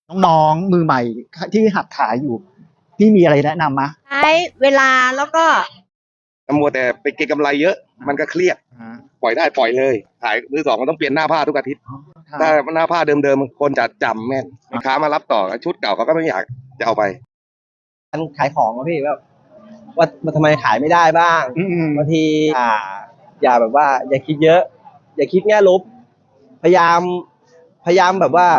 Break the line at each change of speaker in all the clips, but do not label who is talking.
น้องๆมือใหม่ที่หัดขายอยู่พี่มีอะไรแนะนำมะ
ใช้เวลาแล้วก็
มัวแต่ไปเก็งกำไรเยอะมันก็เครียดปล่อยได้ปล่อยเลยขายมือสองมันต้องเปลี่ยนหน้าผ้าทุกอาทิตย์ถ้าหน้าผ้าเดิมๆคนจะจำแม่นลูกค้ามารับต่อชุดเก่าเขาก็ไม่อยากจะเอาไป
การขายของอะพี่แบบว่ามันทำไมขายไม่ได้บ้างบางทีอย่าแบบว่า อย่าคิดเยอะ อย่าคิดแง่ลบพยายามแบบว่า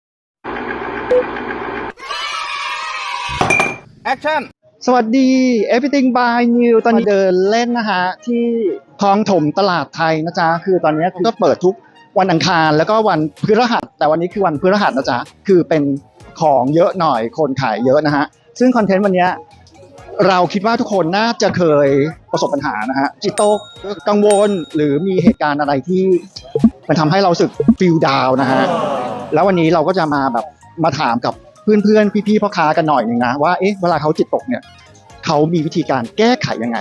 แอคชั่นสวัสดี Everything by New ตอนนี้เดินเล่นนะฮะที่คลองถมตลาดไทยนะจ๊ะคือตอนนี้ก็เปิดทุกวันอังคารแล้วก็วันพฤหัสแต่วันนี้คือวันพฤหัสนะจ๊ะคือเป็นของเยอะหน่อยคนขายเยอะนะฮะซึ่งคอนเทนต์วันนี้เราคิดว่าทุกคนน่าจะเคยประสบปัญหานะฮะจิตตกกังวลหรือมีเหตุการณ์อะไรที่มันทำให้เราสึกฟีลดาวนะฮะแล้ววันนี้เราก็จะมาแบบมาถามกับเพื่อนๆพี่ๆพ่อค้ากันหน่อยหนึ่งนะว่าเอ๊ะเวลาเขาจิตตกเนี่ยเขามีวิธีการแก้ไขยังไง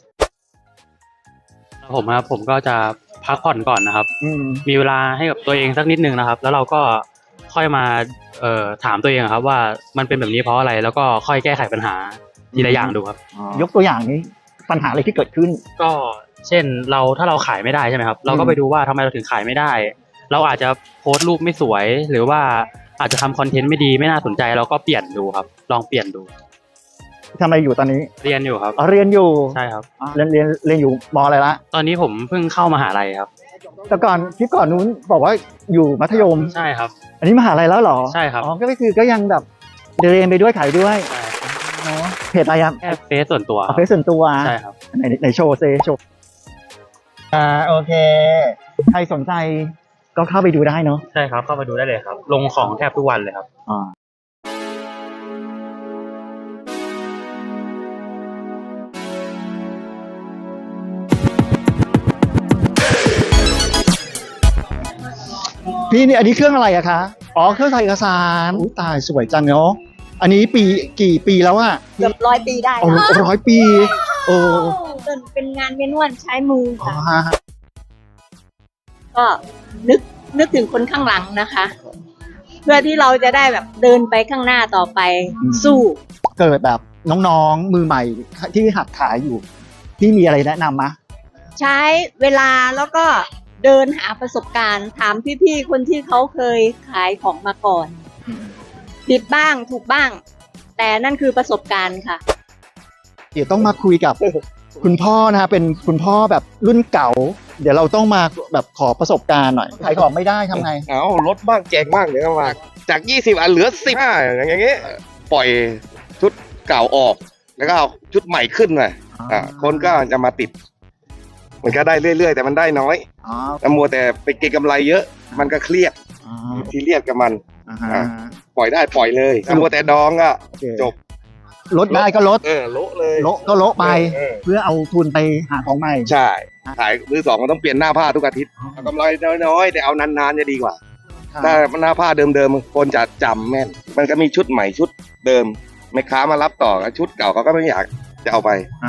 ผมก็จะพักผ่อนก่อนนะครับมีเวลาให้กับตัวเองสักนิดนึงนะครับแล้วเราก็ค่อยมาถามตัวเองครับว่ามันเป็นแบบนี้เพราะอะไรแล้วก็ค่อยแก้ไขปัญหาทีละอย่างดูครับ
ยกตัวอย่างนี้ปัญหาอะไรที่เกิดขึ้น
ก็เช่นถ้าเราขายไม่ได้ใช่ไหมครับเราก็ไปดูว่าทำไมเราถึงขายไม่ได้เราอาจจะโพสต์รูปไม่สวยหรือว่าอาจจะทำคอนเทนต์ไม่ดีไม่น่าสนใจเราก็เปลี่ยนดูครับลองเปลี่ยนดู
ทำอะไรอยู่ตอนนี้
เรียนอยู่ครับ
เรียนอยู่
ใช่ครับ
เรียนอยู่ม.อะไรละ
ตอนนี้ผมเพิ่งเข้ามหาลัยครับ
แต่ก่อนคลิปก่อนนู้นบอกว่าอยู่มัธยม
ใช่ครับ
อันนี้มหาลัยแล้วเหรอ
ใช่ครับ
ก็คือก็ยังแบบเรียนไปด้วยขายด้วยเพจอะไรครับ
เฟซส่วนตัว
เฟซส่วนตัว
ใช่ครับ
ไหนโชว์โชว์โอเคใครสนใจก็เข้าไปดูได้เนาะ
ใช่ครับเข้าไปดูได้เลยครับลงของแทบทุกวันเลยครับ
พี่นี่อันนี้เครื่องอะไรอะคะเครื่องถ่ายเอกสารตายสวยจังเนาะอันนี้กี่ปีแล้วอะ
เกือบ100 ปีได้
นะ100 ปี
เป็นงานเมนวลใช้มือค่ะก็นึกถึงคนข้างหลังนะคะ เพื่อที่เราจะได้แบบเดินไปข้างหน้าต่อไปสู้
เกิดแบบน้องๆมือใหม่ที่หัดขายอยู่พี่มีอะไรแนะนำมะ
ใช้เวลาแล้วก็เดินหาประสบการณ์ถามพี่ๆคนที่เขาเคยขายของมาก่อนผิดบ้างถูกบ้างแต่นั่นคือประสบการณ์ค่ะ
เดี๋ยวต้องมาคุยกับคุณพ่อนะฮะเป็นคุณพ่อแบบรุ่นเก่าเดี๋ยวเราต้องมาแบบขอประสบการณ์หน่อยขายของไม่ได้ทำไง
ลดบ้างแจกบ้างเดี๋ยวมาจาก20อันเหลือ15อย่างเงี้ยปล่อยชุดเก่าออกแล้วก็เอาชุดใหม่ขึ้นเลยคนก็จะมาติดมันก็ได้เรื่อยๆแต่มันได้น้อยมัวแต่ไปเก็งกำไรเยอะมันก็เครียดทีเรียดกับมันปล่อยได้ปล่อยเลยมัวแต่ดองก็จบ
ลดได้ก็ลด
โละเลย
ก็โละไปเพื่อเอาทุนไปหาของใหม่
ใช่ขายมือสองมันต้องเปลี่ยนหน้าผ้าทุกอาทิตย์กำไรน้อยๆแต่เอานานๆจะดีกว่าถ้าหน้าผ้าเดิมๆคนจะจำแม่นมันก็มีชุดใหม่ชุดเดิมแม่ค้ามารับต่อชุดเก่าเขาก็ไม่อยากจะเอาไป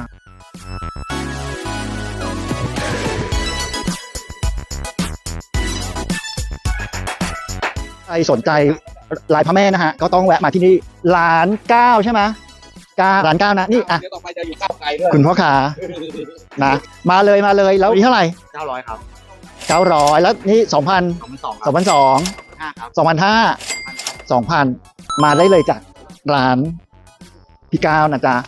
ใครสนใจลายพระแม่นะฮะก็ต้องแวะมาที่นี่ร้าน9ใช่ไหมร้าน9นะนี่อ่ะ
ต่อไปจะอยู่ก้าวไกลด้วย
คุณพ่อขานะมาเลยแล้วนี่เท่าไหร่
900ครับ
900แล้วนี่2002ครับ2005มาได้เลยจากร้านพี่ก้าวนะจ๊ะ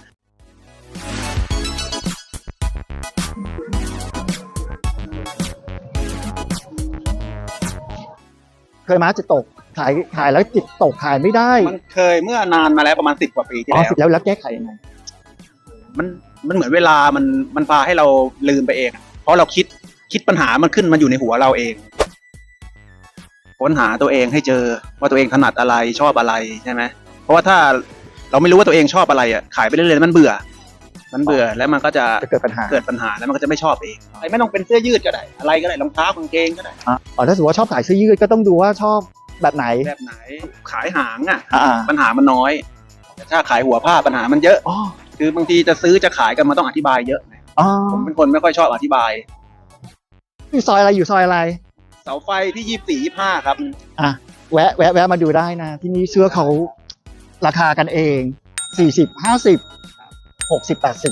เคยมาจิตตกขายแล้วจิตตกขายไม่ได้
มันเคยเมื่อนานมาแล้วประมาณ10 กว่าปีที่
แล้วแล้วแก้ไขยังไง
มันเหมือนเวลามันพาให้เราลืมไปเองเพราะเราคิดปัญหามันขึ้นมาอยู่ในหัวเราเองค้นหาตัวเองให้เจอว่าตัวเองถนัดอะไรชอบอะไรใช่ไหมเพราะว่าถ้าเราไม่รู้ว่าตัวเองชอบอะไรขายไปเรื่อยๆมันเบื่อแล้วมันก็จะ
เกิดปัญหา
แล้วมันก็จะไม่ชอบเองไม่ต้องเป็นเสื้อยืดก็ได้อะไรก็ได้รองเท้ากางเกงก็ได้
ถ้าสมมติว่าชอบขายเสื้อยืดก็ต้องดูว่าชอบแบบไหน
ขายหางปัญหามันน้อยแต่ถ้าขายหัวผ้าปัญหามันเยอะคือบางทีจะซื้อจะขายกันมันต้องอธิบายเยอะผมเป็นคนไม่ค่อยชอบอธิบาย
อยู่ซอยอะไรเสาไฟ
ที่24 25ครับ
แวะมาดูได้นะ ที่นี่เสื้อเขาราคากันเอง40 50 60 80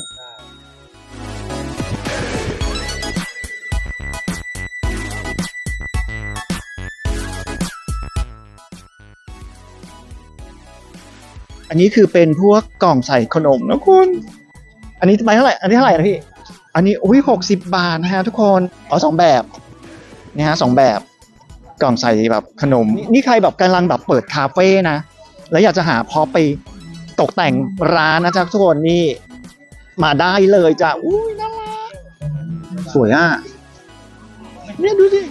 อันนี้คือเป็นพวกกล่องใส่ขนมนะคุณ อันนี้ใบเท่าไหร่ อันนี้เท่าไหร่นะพี่ อันนี้อุ้ย60 บาทนะฮะทุกคนอ๋อ2 แบบนี่ฮะ2 แบบกล่องใส่แบบขนมนี่ใครแบบกำลังแบบเปิดคาเฟ่นะแล้วอยากจะหาพอไปตกแต่งร้านนะจ๊ะทุกคนนี่มาได้เลยจ้ะอุ้ยน่ารักสวยอ่ะเนี่ยดูสิ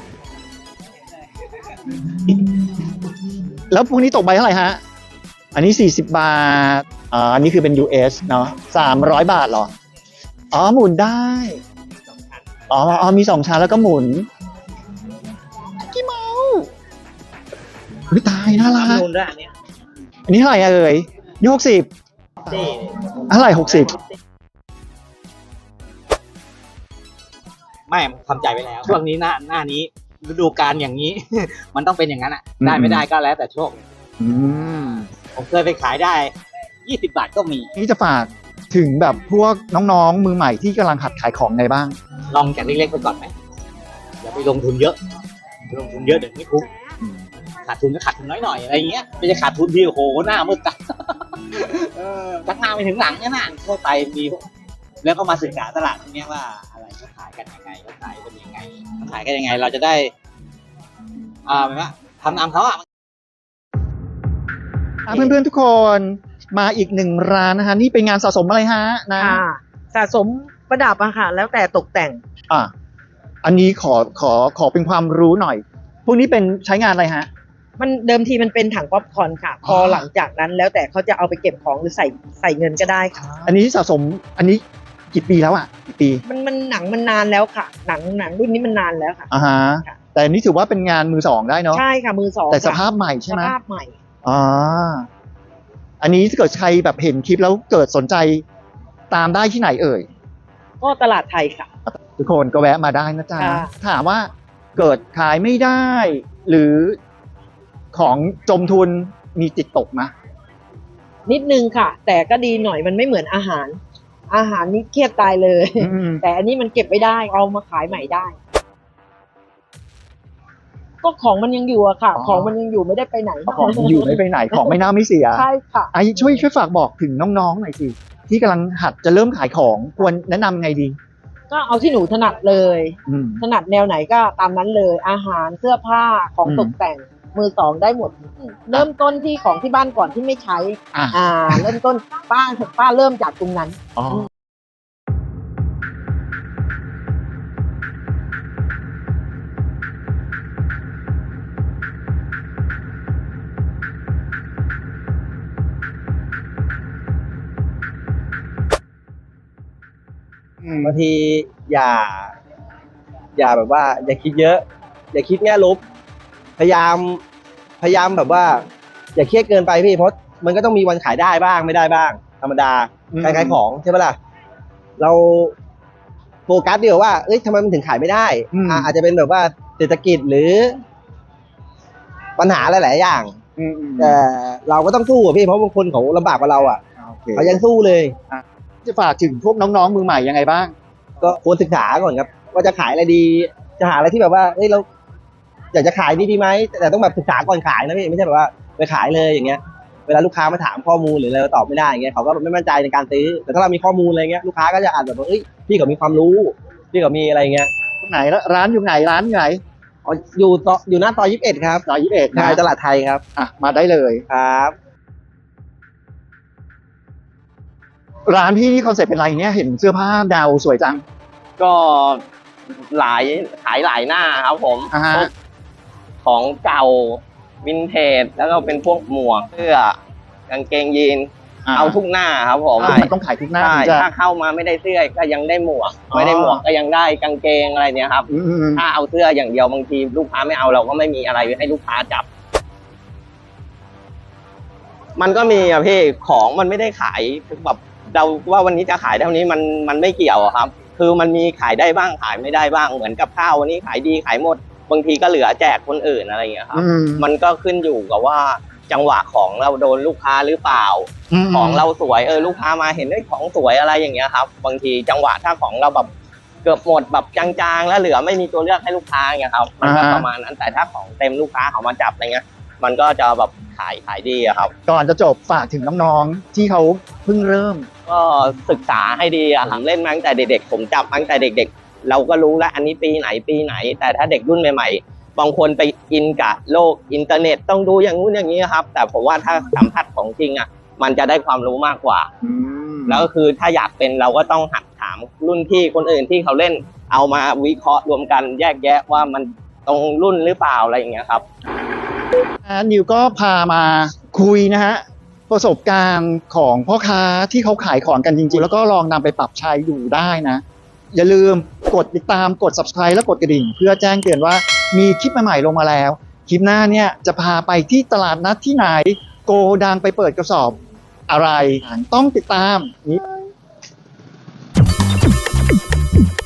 แล้วพวกนี้ตกใบเท่าไหร่ฮะอันนี้40 บาทอันนี้คือเป็น US เนาะ300 บาทเหรออ๋อหมุนได้อ๋อมี2 ชั้นแล้วก็หมุนกี่เมาตายน่ารัก
นูนด้วยอันเนี้ย
อันนี้เท่าไหร่เอ่ยนี่60
นี่
เท่าไหร่60
ไม่ทำใจไว้แล้ว ช่วงนี้หน้านี้ฤดูกาลอย่างนี้ มันต้องเป็นอย่างนั้นอ่ะ ได้ไม่ได้ก็แล้วแต่โชค
อืม
ผมเคยไปขายได้ 20 บาทก็มี
นี่จะฝากถึงแบบพวกน้องๆมือใหม่ที่กำลังหัดขายของไงบ้าง
ลองจากเล็กๆไปก่อนไหมอย่าไปลงทุนเยอะลงทุนเยอะเดี๋ยวไม่คุ้มขาดทุนก็ขาดทุนน้อยหน่อยอะไรเงี้ยไม่ใช่ขาดทุนที่โอ้โหหน้ามืดตาจากหน้าไปถึงหลังเนี่ยนะทั่วไปมีแล้วก็มาศึกษาตลาดตรงเนี้ยว่าอะไรเขาขายกันยังไงเขาขายกันยังไงเขาขายกันยังไง เราจะได้หมายว่าทำตามเขาอ่ะ
เพื่อนๆทุกคนมาอีก1 ร้านนะฮะนี่เป็นงานสะสมอะไรฮะนะ
ค่ะสะสมประดับอะค่ะแล้วแต่ตกแต่ง
อ่ะอันนี้ขอเป็นความรู้หน่อย พวกนี้เป็นใช้งานอะไรฮะ
มันเดิมทีมันเป็นถังป๊อปคอร์นค่ะ พอหลังจากนั้นแล้วแต่เขาจะเอาไปเก็บของหรือใส่เงินก็ได้ค่ะ
อันนี้สะสมอันนี้กี่ปีแล้วอ่ะกี่ปี
มันหนังมันนานแล้วค่ะ หนังรุ่นนี้มันนานแล้วค่ะ
อ่าฮะ
ค่ะ
แต่อันนี้ถือว่าเป็นงานมือ 2ได้เนาะ
ใช่ค่ะมือสอง
แต่ส
ค่ะ
ภาพใหม่ใช่
ส
ไหม
ภาพใหม่
อ่าอันนี้ถ้าเกิดใครแบบเห็นคลิปแล้วเกิดสนใจตามได้ที่ไหนเอ่ย
ก็ตลาดไทยค่ะ
ทุกคนก็แวะมาได้นะจ๊ะ
ค่ะ
ถามว่าเกิดขายไม่ได้ หรือของจมทุนมีติดตกไหม
นิดนึงค่ะ แต่ก็ดีหน่อยมันไม่เหมือนอาหาร อาหารนี่เครียดตายเลย
อืม
แต่อันนี้มันเก็บไม่ได้เอามาขายใหม่ได้ ก็ของมันยังอยู่อะค่ะ ของมันยังอยู่ไม่ได้ไปไหน
ของอยู่ไม่ไปไหนของไม่น่าไม่เสีย
ใช่ค่ะ
ไอ้ช่วยฝากบอกถึงน้องๆหน่อยสิที่กำลังหัดจะเริ่มขายของควรแนะนำไงดี
ก็เอาที่หนูถนัดเลย
อืม
ถนัดแนวไหนก็ตามนั้นเลย อาหารเสื้อผ้าของ
อืม
ตกแต่งมือสองได้หมด เริ่มต้นที่ของที่บ้านก่อนที่ไม่ใช้
อ่ะ
เริ่มต้นป้าเริ่มจากตรงนั้น
อ๋ออืม
บางทีอย่าแบบว่า อย่าคิดเยอะ อย่าคิดแง่ลบพยายามแบบว่า อย่าเครียดเกินไปพี่เพราะมันก็ต้องมีวันขายได้บ้างไม่ได้บ้าง ธรรมดา
อืม
ขายของใช่ปะล่ะเราโฟกัสเดียวว่าเอ้ยทำไมมันถึงขายไม่ได้อาจจะเป็นแบบว่าเศรษฐกิจหรือ ปัญหาหลายๆอย่าง
อืม
แต่เราก็ต้องสู้อะพี่เพราะบางคนเขาลำบากกว่าเราอ่ะ
โอเค
เขายังสู้เลย
จะฝากถึงพวกน้องๆมือใหม่ยังไงบ้าง
ก็ควรศึกษาก่อนครับ ว่าจะขายอะไรดี จะหาอะไรที่แบบว่าเฮ้ยเราอยากจะขายดีไหมแต่ต้องแบบศึกษาก่อนขายนะพี่ไม่ใช่แบบว่าไปขายเลยอย่างเงี้ย เวลาลูกค้ามาถามข้อมูลหรืออะไรเราตอบไม่ได้อย่างเงี้ยเขาก็ไม่มั่นใจในการซื้อแต่ถ้าเรามีข้อมูลอะไรเงี้ยลูกค้าก็จะอ่านแบบว่าเอ้ยพี่เขามีความรู้พี่เขามีอะไรเงี้ย
ตรงไหนแล้วร้านอยู่ไหนร้านอยู่ไหน
อ๋ออยู่หน้าซอย21ครับ
ซอย21
ใช่
นะ
ตลาดไทยครับ
อ่ะมาได้เลย
ครับ
ร้านพี่นี่คอนเซ็ปต์เป็นอะไรเนี่ยเห็นเสื้อผ้าดาวสวยจัง
ก็ขายหลายหน้าครับผม
อ่าฮะ
พวกของเก่าวินเทจแล้วก็เป็นพวกหมวกเสื้อกางเกงยีนเอาทุกหน้าครับผม
มันต้องขายทุกหน้า
ใช่
ถึงจะ
ถ้าเข้ามาไม่ได้เสื้อก็ยังได้หมวก
อ๋อ
ไม่ได้หมวกก็ยังได้กางเกงอะไรเนี่ยครับ
อืม
ถ้าเอาเสื้ออย่างเดียวบางทีลูกค้าไม่เอาเราก็ไม่มีอะไรให้ลูกค้าจับ มันก็มีอะพี่ของมันไม่ได้ขายแบบเราว่าวันนี้จะขายเท่านี้มันไม่เกี่ยวอะครับ คือมันมีขายได้บ้างขายไม่ได้บ้างเหมือนกับข้าววันนี้ขายดีขายหมดบางทีก็เหลือแจกคนอื่นอะไรอย่างเงี้ยครับ
อืม
มันก็ขึ้นอยู่กับว่าจังหวะของเราโดนลูกค้าหรือเปล่า
ม
ของเราสวยลูกค้ามาเห็นได้ของสวยอะไรอย่างเงี้ยครับบางทีจังหวะถ้าของเราแบบเกือบหมดแบบจางๆแล้วเหลือไม่มีตัวเลือกให้ลูกค้าอย่างเงี้ยครับมันก็ประมาณนั้นแต่ถ้าของเต็มลูกค้าเขามาจับอะไรเงี้ยมันก็จะแบบขายดีอะครับ
ก่อนจะจบฝากถึงน้องๆที่เขาเพิ่งเริ่ม
ก็ศึกษาให้ดีอะครับเล่นมาตั้งแต่เด็กๆผมจับมาตั้งแต่เด็กๆ เราก็รู้แล้วอันนี้ปีไหน แต่ถ้าเด็กรุ่นใหม่ๆบางคนไปอินกับโลกอินเทอร์เน็ตต้องดูอย่างนู้นอย่างนี้ครับ แต่ผมว่าถ้าสัมผัสของจริงอะมันจะได้ความรู้มากกว่า แล้วก็คือถ้าอยากเป็นเราก็ต้องหัดถามรุ่นพี่คนอื่นที่เขาเล่นเอามาวิเคราะห์รวมกันแยกแยะว่ามันตรงรุ่นหรือเปล่าอะไรอย่างเงี้ยครับ
นิวก็พามาคุยนะฮะประสบการณ์ของพ่อค้าที่เขาขายของกันจริงๆ แล้วก็ลองนำไปปรับใช้ดูได้นะ อย่าลืมกดติดตามกด subscribe และกดกระดิ่ง เพื่อแจ้งเตือนว่ามีคลิปใหม่ๆลงมาแล้ว คลิปหน้าเนี่ยจะพาไปที่ตลาดนัดที่ไหน โกดังไปเปิดกระสอบอะไรต้องติดตามนี้